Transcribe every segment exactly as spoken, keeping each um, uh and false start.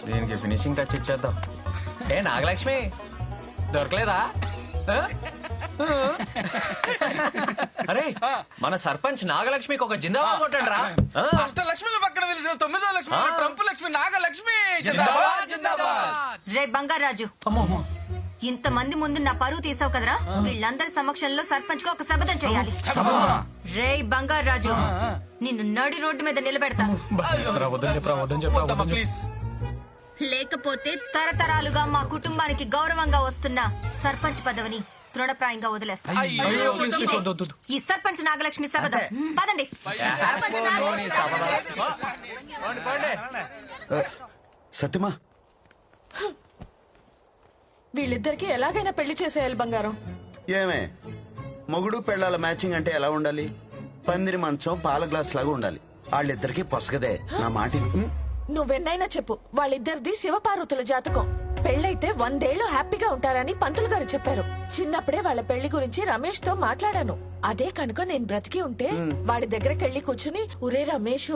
దీనికి finishing touch ఇచ్చేద్దాం. ఏ నాగలక్ష్మి దొరకలేదా? ఆ? అరే మన సర్పంచ్ నాగలక్ష్మికి ఒక జిందాబాద్ కొట్టండి రా. అష్టలక్ష్మి పక్కన వెలిసిన తొమ్మిదో లక్ష్మి ట్రంప్ లక్ష్మి నాగలక్ష్మి జిందాబాద్ జిందాబాద్. రే బంగారాజు, ఇంత మంది ముందు నా పరువు తీసావు కదరా. వీళ్ళందరి సమక్షంలో సర్పంచ్ కు ఒక శపథం చేయాలి. రే బంగారాజు, నిన్ను నడి రోడ్డు మీద నిలబెడతా. ప్లీజ్. లేకపోతే తరతరాలుగా మా కుటుంబానికి గౌరవంగా వస్తున్న సర్పంచ్ పదవిని తృణప్రాయంగా వదిలేస్తా. ఇదే ఈ సర్పంచ్ నాగలక్ష్మి శపథం. పదండి. సత్యమా, వీళ్ళిద్దరికి ఎలాగైనా పెళ్లి చేసేయాలి బంగారం. ఏమే మొగుడు పెళ్ళాల మ్యాచింగ్ అంటే ఎలా ఉండాలి? పందిరి మంచం పాల గ్లాస్ లాగా ఉండాలి. వాళ్ళిద్దరికి పొసగదే. నా మాట విను. నువ్వెన్నైనా చెప్పు, వాళ్ళిద్దరిది శివపార్వతుల జాతకం. పెళ్ళైతే వందేళ్లు హ్యాపీగా ఉంటారని పంతులు గారు చెప్పారు. చిన్నప్పుడే వాళ్ళ పెళ్లి గురించి రమేష్ తో మాట్లాడాను. అదే కనుక నేను బ్రతికి ఉంటే వాడి దగ్గరికి వెళ్ళి కూర్చుని, ఒరే రమేష్,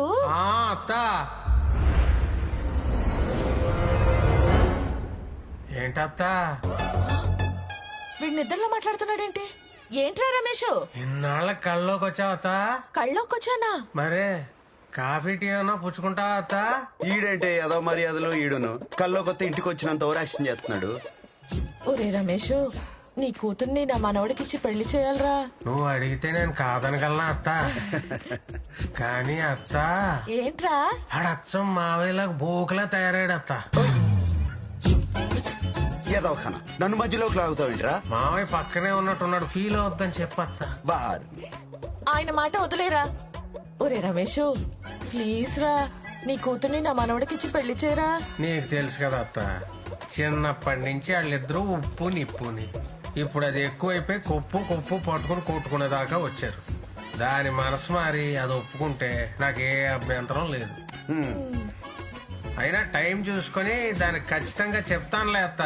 ఏంటత్తా వీడి నిద్రలో మాట్లాడుతున్నాడేంటి? ఏంట్రా రమేష్, ఇన్నాళ్ళ కళ్ళలోకి వచ్చావత్తా? కళ్ళోకొచ్చానా? మరే కాఫీ టీ ఏమన్నా పుచ్చుకుంటావా అత్తా? ఈడంటే ఏదో మర్యాదలు ఈడును కల్లో కొత్త ఇంటికి వచ్చినంత ఓవరాక్షన్ చేస్తున్నాడు. ఒరే రమేష్, నీ కూతుర్ని నా మనవడికిచ్చి పెళ్లి చేయాలరా. నువ్వు అడిగితే నేను కాదనగలనా అత్తా? కానీ అత్తా, ఏంట్రా? ఆడచ్చం మావేలాగా బోకులా తయారాడు అత్తా. ఏదో ఖానా నన్ను మధ్యలోకి లాగుతావేంట్రా? మావయ్య పక్కనే ఉన్నట్టున్నాడు, ఫీల్ అవుద్దని చెప్పత్తా. బార్ ఆయన మాట వదిలేరా. ఒరే రమేష్, ప్లీజ్ రా, నీ కూతుర్ని నా మనవడికిచ్చి పెళ్లి చేయరా. నీకు తెలుసు కదా అత్త, చిన్నప్పటి నుంచి వాళ్ళిద్దరూ ఉప్పు నిప్పుని. ఇప్పుడు అది ఎక్కువైపోయి కొప్పు కొప్పు పట్టుకుని కొట్టుకునేదాకా వచ్చారు. దాని మనసు మారి అది ఒప్పుకుంటే నాకు ఏ అభ్యంతరం లేదు. అయినా టైం చూసుకొని దానికి ఖచ్చితంగా చెప్తానులే అత్త.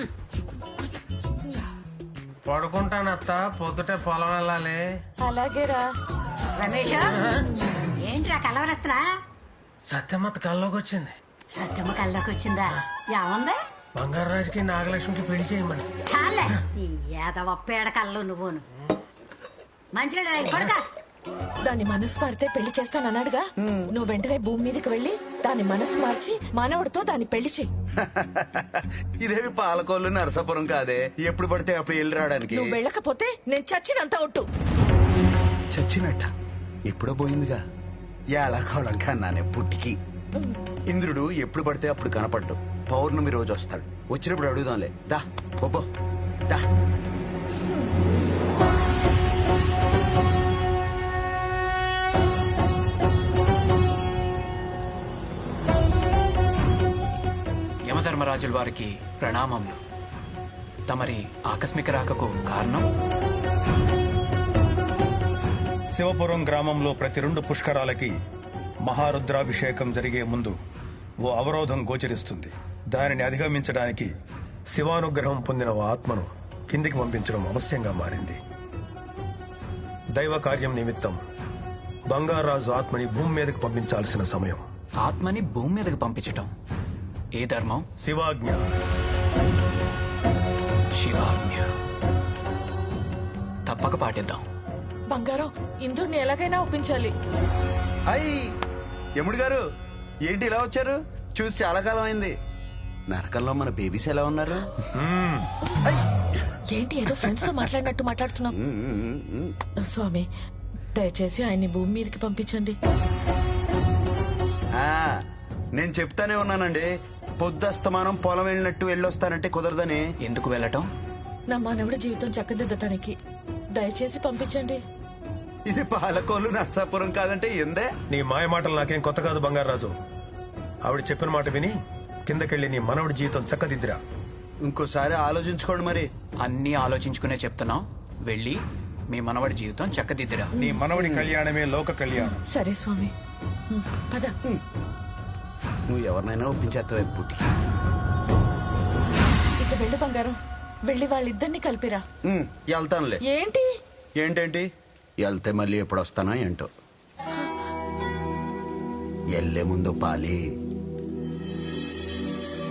పడుకుంటాను అత్త, పొద్దుటే పొలం వెళ్ళాలి. అలాగేరా. రమేష్, ఏంట్రా కలవరత్రా? సత్యమత్త కల్లోకి వచ్చింది. సత్యమ్మ కల్లోకి వచ్చిందా? ఏముంది? బంగారాజుకి నాగలక్ష్మికి పెళ్లి చేయమని. చాలే ఈ ఏదవ పేడ కళ్ళు నువ్వును. మంచిగా పడక. దాని మనసు మారితే పెళ్లి చేస్తానన్నాడుగా. నువ్వు వెంటనే భూమి మీదకి వెళ్ళి దాని మనసు మార్చి మనవడితో దాన్ని పెళ్లి చెయ్యి. ఇదేమి పాలకోళ్ళు నరసాపురం కాదే, ఎప్పుడు పడితే అప్పుడు వెళ్ళి రావడానికి. నువ్వు వెళ్ళకపోతే నేను చచ్చినంత ఒట్టు. చచ్చినట్ట ఎప్పుడో పోయిందిగా. ఎలా కోళం కన్నానే పుట్టికి. ఇంద్రుడు ఎప్పుడు పడితే అప్పుడు కనపడ్డు. పౌర్ణమి రోజు వస్తాడు. వచ్చినప్పుడు అడుగుదాంలే. దా బొబ్బో దా. యమధర్మరాజుల వారికి ప్రణామములు. తమరి ఆకస్మిక రాకకు కారణం? శివపురం గ్రామంలో ప్రతి రెండు పుష్కరాలకి మహారుద్రాభిషేకం జరిగే ముందు ఓ అవరోధం గోచరిస్తుంది. దానిని అధిగమించడానికి శివానుగ్రహం పొందిన ఓ ఆత్మను కిందికి పంపించడం అవశ్యంగా మారింది. దైవ కార్యం నిమిత్తం బంగారాజు ఆత్మని భూమి మీదకి పంపించాల్సిన సమయం. ఆత్మని భూమి మీదకి పంపించటం ఏ ధర్మం? శివాజ్ఞ. శివాజ్ఞ. తప్పక పాటిద్దాం. బంగారం, ఇంద్రుడిని ఎలాగైనా ఒప్పించాలి. అయ్యి యముడు గారు, ఏంటి ఇలా వచ్చారు? చూసి చాలా కాలం అయింది. నరకంలో మన బేబీస్ ఎలా ఉన్నారు? ఏంటి ఏదో ఫ్రెండ్స్ తో మాట్లాడినట్టు మాట్లాడుతున్నాం. స్వామి, దయచేసి ఆయన్ని భూమి మీదకి పంపించండి. ఆ, నేను చెప్తానే ఉన్నానండి, పొద్దుస్తమానం పొలం వెళ్ళినట్టు వెళ్ళొస్తానంటే కుదరదని. ఎందుకు వెళ్ళటం? నా మానవుడి జీవితం చక్కదిద్దటానికి. దయచేసి పంపించండి. ఇది పాలకోళ్ళు నర్సాపురం కాదంటే ఎందే. నీ మాయ మాటలు నాకేం కొత్త కాదు బంగారాజు. ఆవిడ చెప్పిన మాట విని కిందకెళ్ళి నీ మనవడి జీవితం చక్కదిద్దిరా. ఇంకోసారి ఆలోచించుకోండి. మరి అన్నీ ఆలోచించుకునే చెప్తున్నాం. వెళ్ళి మీ మనవడి జీవితం చక్కదిద్దిరా. నీ మనవడి కళ్యాణమే లోక కళ్యాణం. సరే స్వామి, పద. నువ్వు ఎవరినైనా ఒప్పించేస్తావు పుట్టి. ఇక వెళ్ళు బంగారం, వెళ్ళి వాళ్ళిద్దరిని కలిపిరా. వెళ్తానులే. ఏంటి ఏంటేంటి వెళ్తే మళ్ళీ ఎప్పుడు వస్తానా ఏంటో. వెళ్లే ముందు పాలి.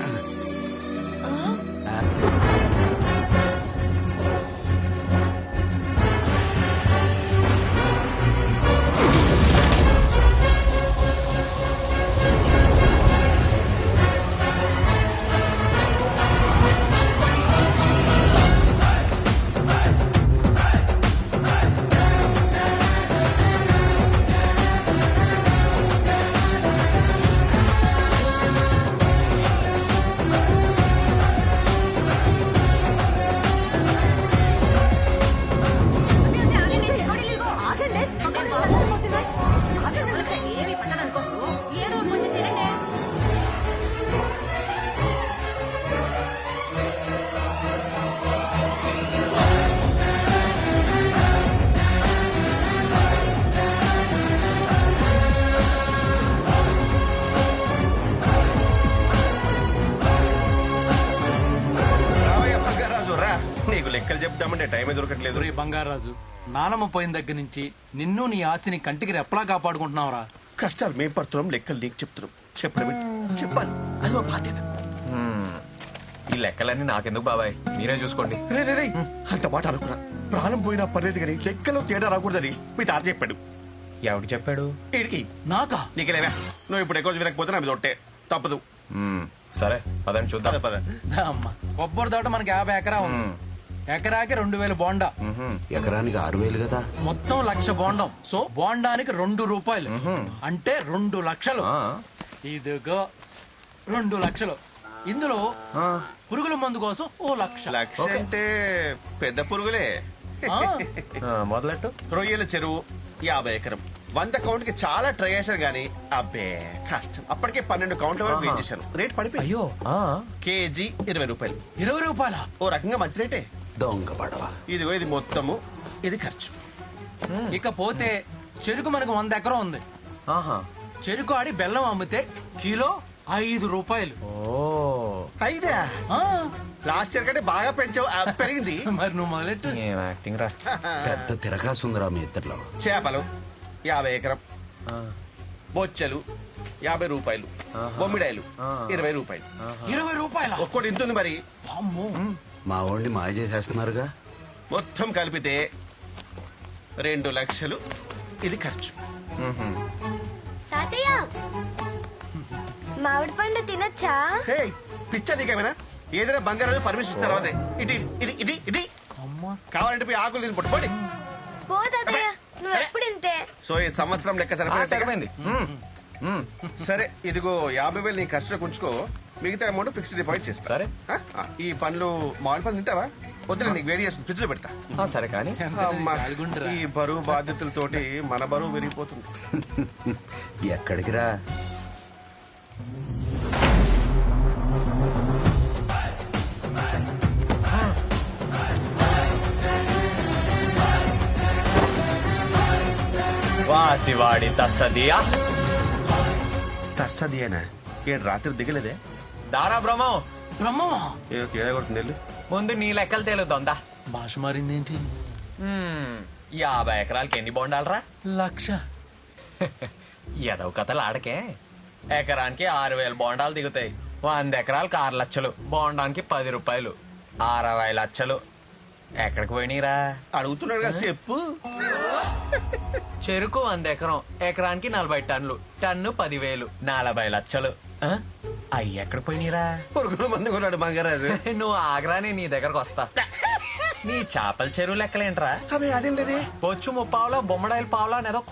లెక్కలు చెప్దామంటే టైమే దొరకట్లేదు. రే బంగారాజు, నానమ్మ పోయిన దగ్గర నుంచి నిన్ను నీ ఆస్తిని కంటికి రెప్పలా కాపాడుకుంటున్నావురా. కష్టాలు మేం పడుతున్నాం, లెక్కలు నీకు చెప్తున్నాం. చెప్పడం చెప్పాలి, అది మా బాధ్యత. ఈ లెక్కలన్నీ నాకెందుకు బాబాయ్, మీరే చూసుకోండి. రే రే రే అంత మాట అనుకున్నా. ప్రాణం పోయినా పర్లేదు కానీ లెక్కలో తేడా రాకూడదని మీ తాత చెప్పాడు. ఎవడు చెప్పాడు? ఈడికి నాకా? నీకెలేవా, నువ్వు ఇప్పుడు ఎక్కువ వినకపోతే నాకు తొట్టే తప్పదు. మ్మ్, సరే పదండి చూద్దాం. పద పద. దా అమ్మ, కొబ్బరి తోట మనకి యాభై ఎకరా ఉంది. ఎకరాకి రెండు వేల బోండా, ఎకరానికి ఆరు వేలు కదా. మొత్తం లక్ష బోండం. సో బోండానికి రెండు రూపాయలు అంటే రెండు లక్షలు. ఆ, ఇదిగో రెండు లక్షలు. ఇందులో పురుగుల మందు కోసం ఓ లక్ష. లక్ష అంటే పెద్ద పురుగులే. ఆ, ఆ, మొదలెట్టు. రొయ్యల చెరువు యాభై ఎకరం. వంద కౌంట్ కి చాలా ట్రై చేశాను గానీ అబ్బే కష్టం. అప్పటికే పన్నెండు కౌంట్ల వరకు వెయిట్ చేశాను. రేట్ పడిపోయి అయ్యో, ఆ, కేజీ ఇరవై రూపాయలు. ఇరవై రూపాయల ఓ రకంగా మంచి రేటే. దొంగ పడవ. ఇదిగో ఇది మొత్తము, ఇది ఖర్చు. ఇకపోతే చెరుకు మనకు వంద ఎకరం ఉంది. ఆహా, చెరుకు ఆడి బెల్లం అమ్మితే కిలో ఐదు రూపాయలు. ఓ, ఐదా? ఆ, లాస్ట్ ఇయర్ కంటే బాగా పెంచావు. ఆ, పెరిగింది. మరి నువ్వు మొదలెట్టు. ఏం యాక్టింగ్ రా. పెద్ద తిరగాసుందిరా మీ ఇద్దరిలో. చేపలు యాభై ఎకరం. బొచ్చలు యాభై రూపాయలు. బొమ్మిడాయలు ఇరవై రూపాయలు. ఇరవై రూపాయల ఒక్కోటి ఇంతుంది మరి. అమ్మో. మా వాడిని మాయ చేసేస్తున్నారుగా. మొత్తం కలిపితే రెండు లక్షలు. ఇది ఖర్చు. తాతయ్య, మామిడి పండు తినొచ్చా? హే పిచ్చా నీకేమైనా? ఏదైనా బంగారం పర్మిషన్ ఇచ్చిన తర్వాతే ఇటు ఇటు ఇటు ఇటు కావాలంటే పోయి ఆకులు తిని పట్టుకోండి. పో తాతయ్య, నువ్వు ఎప్పుడు ఇంతే. సో ఈ సంవత్సరం లెక్క ఆ, సరిపోయింది. సరిపోయింది. మ్మ్, మ్మ్. సరే ఇదిగో యాభై వేలు నీ ఖర్చులో ఉంచుకో. మిగతా అమౌంట్ ఫిక్స్డ్ డిపాజిట్ చేస్తా. సరే. ఆ, ఆ, ఈ పండ్లు మామిడి పండ్లు తింటావా? వద్దులే, నీకు వేడి చేస్తుంది, ఫ్రిడ్జ్ లో పెడతా. ఆ, సరే కానీ అమ్మా, జాలిగుండురా. ఈ బరువు బాధ్యతలతోటి మన బరువు విరిగిపోతుంది. ఎక్కడికి రా? వాసివాడి తస్సదియా. తర్సదియేనా? ఏడు రాత్రి దిగలేదే? దారా బ్రహ్మం, బ్రహ్మమా? ఏదో తేడా కొడుతుంది వెళ్ళు. ముందు నీ లెక్కలు తేలుతోందా. భాష మారిందేంటి? మ్మ్, యాభై ఎకరాలకి ఎన్ని బొండాలరా? లక్ష. ఎదవ కథలు ఆడకే. ఎకరానికి ఆరు వేల బోండాలు దిగుతాయి. వంద ఎకరాలకు ఆరు లక్షలు. బోండానికి పది రూపాయలు, అరవై లక్షలు. ఎక్కడికి పోయినీరా? అడుగుతున్నాడు కదా చెప్పు. చెరుకు వంద ఎకరం, ఎకరానికి నలభై టన్నులు. టన్ను పదివేలు, నలభై లక్షలు. ఆ? అయ్యి ఎక్కడికి పోయినీరా? పురుగుల మంది కొన్నాడు బంగారాజు. నువ్వు ఆగ్రానే నీ దగ్గరకు వస్తా. నీ చేపల చెరువు లెక్కలేంట్రా? అవి అదేం లేదే. బొచ్చు ముప్పావులా, బొమ్మడాయిల పావులా అనేదో